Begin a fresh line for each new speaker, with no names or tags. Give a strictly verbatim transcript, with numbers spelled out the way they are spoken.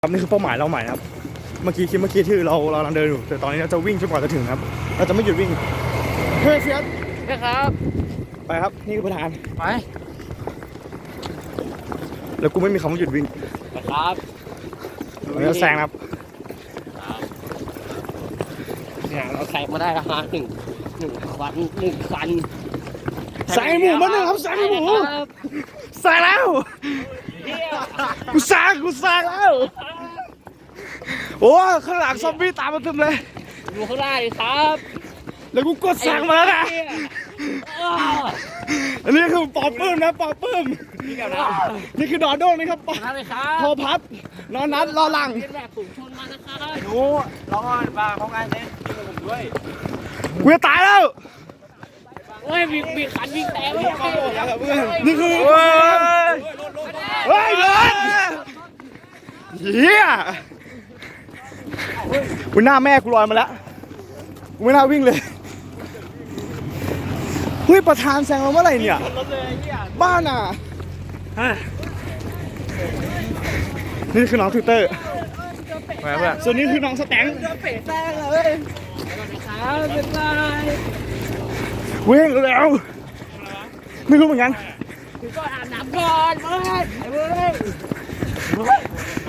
ครับนี่คือเป้าหมายเราใหม่ครับเมื่อกี้คิดเมื่อกี้ที่เราเรากำลังเดินอยู่แต่ตอนนี้เราจะวิ่งจนกว่าจะถึงครับเราจะไม่หยุดวิ่งเฮ้ยเฟียส
นะครับ
ไปครับนี่คือประธาน
ไป
แล้วกูไม่มีคำว่าหยุดวิ่ง
นะครับ
เราจะแซงครับ
เนี่ยเราแซงมาได้แล้วฮะหนึ่งหนึ่งควันหนึ่งควัน
แซงหมูมาหนึ่งครับแซงหมูแซงแล้วกูแซงกูแซงแล้วโอ้ข้างหลังซอมบี้ตามมาเต็มเลย
อยู่ข้างหน้าเลยครับ
แล้วกูกดแซงมาแล้วนะอันนี้คือปอปื้มนะปอปื้ม
นี่กับนะ
นี่คือดอโด้งนี่ครับปอ
นั่นเลยครั
พอบ พัดนอนนัดรอหลัง
เป็นแบบฝูงชนมานะครับ
หนูรอก่อนบ้าพร้อมกันเลยกินกับผมด้วย
กูจะตายแล้ว
โอ้ยมีมีขันมีแต่ไม่ยังไง
นี่คือเฮ้ยเดินเฮียกูหน้าแม่กูลอยมาแล้วกูไม่น่าวิ่งเลยเฮ้ยประธานแซงเราเมื่อไหร่เนี่ยบ้านอ่ะนี่คือน้องทวิตเตอร์ส่วนนี้คือน้องสแตงค์
ครับเป็นไร
วิ่งเร็วไม่รู้เหมือนกัน
ถึงก็อาบน้ำก่อนเฮ้ยเฮ้ย